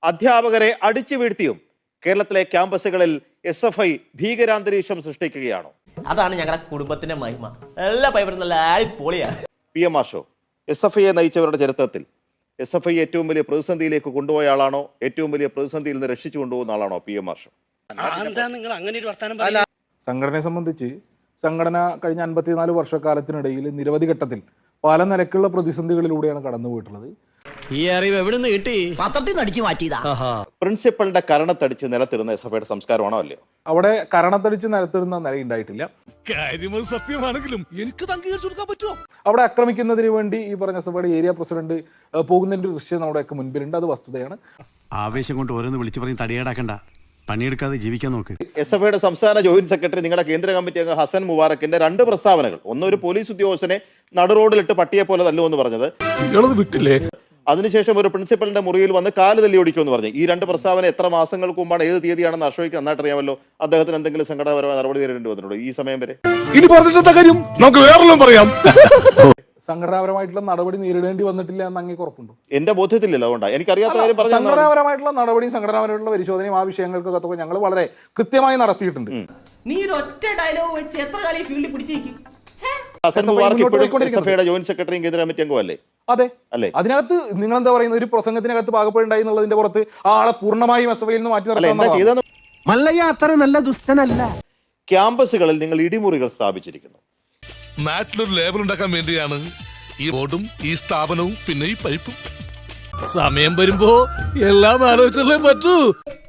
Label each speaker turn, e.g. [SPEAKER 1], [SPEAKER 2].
[SPEAKER 1] അധ്യാപകരെ അടിച്ചു വീഴ്ത്തിയും കേരളത്തിലെ ക്യാമ്പസുകളിൽ SFI ഭീകരാന്തരീക്ഷം സൃഷ്ടിക്കുകയാണോ?
[SPEAKER 2] അതാണ് ഞങ്ങളുടെ കുടുംബത്തിന്റെ മഹിമ. എല്ലാ പൈപ്പറും നല്ല പൊളിയാ.
[SPEAKER 1] PM മാഷോ, SFIയെ നയിച്ചവരുടെ ചരിത്രത്തിൽ SFI ഏറ്റവും വലിയ പ്രതിസന്ധിയിലേക്ക് കൊണ്ടുപോയ ആളാണോ? ഏറ്റവും വലിയ പ്രതിസന്ധിയിൽ നിന്ന് രക്ഷിച്ചു കൊണ്ടുപോകുന്ന ആളാണോ PM മാഷോ?
[SPEAKER 3] സംഘടനയെ സംബന്ധിച്ച് സംഘടന കഴിഞ്ഞ 54 വർഷക്കാലത്തിനിടയിൽ നിരവധി ഘട്ടത്തിൽ പല നിലക്കുള്ള പ്രതിസന്ധികളിലൂടെയാണ് കടന്നുപോയിട്ടുള്ളത്.
[SPEAKER 4] ഈ അറിവ് എവിടെ നിന്ന് കിട്ടി? പത്രത്തിൽ നിന്ന് അടിച്ചു മാറ്റിയതാ.
[SPEAKER 1] പ്രിൻസിപ്പലിന്റെ കരണത്തടിച്ച് നിലത്തിടുന്ന SFIയുടെ സംസ്കാരമാണോ അല്ലയോ?
[SPEAKER 3] അവിടെ കരണത്തടിച്ച് നിലത്തിടുന്ന നിലയുണ്ടായിട്ടില്ല.
[SPEAKER 5] സത്യമാണെങ്കിലും എനിക്ക് അംഗീകരിച്ചു കൊടുക്കാൻ പറ്റുമോ?
[SPEAKER 3] അവിടെ ആക്രമിക്കുന്നതിന് വേണ്ടി ഈ പറഞ്ഞ SFIയുടെ ഏരിയ പ്രസിഡന്റ് പോകുന്നതിന്റെ ഒരു ദൃശ്യം നമ്മുടെയൊക്കെ മുൻപിലുണ്ട്. അത് വസ്തുതയാണ്.
[SPEAKER 6] ആവേശം കൊണ്ട് ഓരോന്ന് വിളിച്ചു പറഞ്ഞ് തടിയേടാക്കണ്ട, പണിയെടുക്കാതെ ജീവിക്കാൻ നോക്ക്.
[SPEAKER 1] SFIയുടെ സംസ്ഥാന ജോയിന്റ് സെക്രട്ടറി നിങ്ങളുടെ കേന്ദ്ര കമ്മിറ്റി അംഗം ഹസൻ മുബാറക്കിന്റെ 2 പ്രസ്താവനകൾ, ഒന്നൊരു പോലീസ് ഉദ്യോഗസ്ഥനെ നടുറോഡിലിട്ട് പട്ടിയെ പോലെ തല്ലുമെന്ന് പറഞ്ഞത്,
[SPEAKER 5] വിട്ടില്ലേ?
[SPEAKER 1] അതിനുശേഷം ഒരു പ്രിൻസിപ്പലിന്റെ മുറിയിൽ വന്ന് കാല് തല്ലി ഓടിക്കുമെന്ന് പറഞ്ഞു. ഈ 2 പ്രസ്താവന എത്ര മാസങ്ങൾക്ക് മുമ്പാണ്, ഏത് തീയതിയാണെന്ന് അശോയ്ക്ക് നന്നായിട്ട് അറിയാമല്ലോ. അദ്ദേഹത്തിന് എന്തെങ്കിലും സംഘടനാപരമായ നടപടി നേരിടേണ്ടി വന്നിട്ടുണ്ടോ ഈ സമയം വരെ?
[SPEAKER 5] ഇനി പറഞ്ഞിട്ട കാര്യം നമുക്ക് വേറെല്ലാം പറയാം.
[SPEAKER 3] സംഘടനാപരമായിട്ടുള്ള നടപടി നേരിടേണ്ടി വന്നിട്ടില്ല എന്ന് അങ്ങേക്ക് ഉറപ്പുണ്ടോ?
[SPEAKER 1] എന്റെ ബോധ്യത്തിലില്ല, അതുകൊണ്ടാണ് എനിക്കറിയാത്ത കാര്യം പറഞ്ഞു.
[SPEAKER 3] സംഘടനാപരമായിട്ടുള്ള നടപടിയും സംഘടനാപരമായിട്ടുള്ള പരിശോധനയും ആ വിഷയങ്ങൾക്കൊക്കെ ഞങ്ങൾ വളരെ കൃത്യമായി നടത്തിയിട്ടുണ്ട്.
[SPEAKER 2] നീ ഒറ്റ ഡയലോഗ് വെച്ച് എത്ര കാലം ഈ ഫീൽഡിൽ പിടിച്ചേക്കും?
[SPEAKER 1] ഹസൻ മുബാറക്ക് ഇപ്പോഴും SFIയുടെ ജോയിന്റ് സെക്രട്ടറിയും കേന്ദ്ര കമ്മിറ്റി അംഗമല്ലേ?
[SPEAKER 3] അതെ
[SPEAKER 1] അല്ലേ?
[SPEAKER 3] അതിനകത്ത് നിങ്ങൾ എന്താ പറയുന്നത്, ഒരു പ്രസംഗത്തിനകത്ത് പാകപ്പെടുണ്ടായി എന്നുള്ളതിന്റെ പുറത്ത് ആ ആളെ പൂർണ്ണമായും SFIയിൽ നിന്ന് മാറ്റി നിർത്താൻ
[SPEAKER 4] മല്ലയ്യ അത്ര നല്ല ദുഷ്ടനല്ല.
[SPEAKER 1] ക്യാമ്പസുകളിൽ നിങ്ങൾ ഇടിമുറികൾ സ്ഥാപിച്ചിരിക്കുന്നു.
[SPEAKER 5] നാട്ടിലൊരു ലേബൽ ഉണ്ടാക്കാൻ വേണ്ടിയാണ് ഈ ബോർഡും ഈ സ്ഥാപനവും പിന്നെ ഈ പൈപ്പും. സമയം വരുമ്പോ എല്ലാം ആലോചിച്ചല്ലേ പറ്റൂ.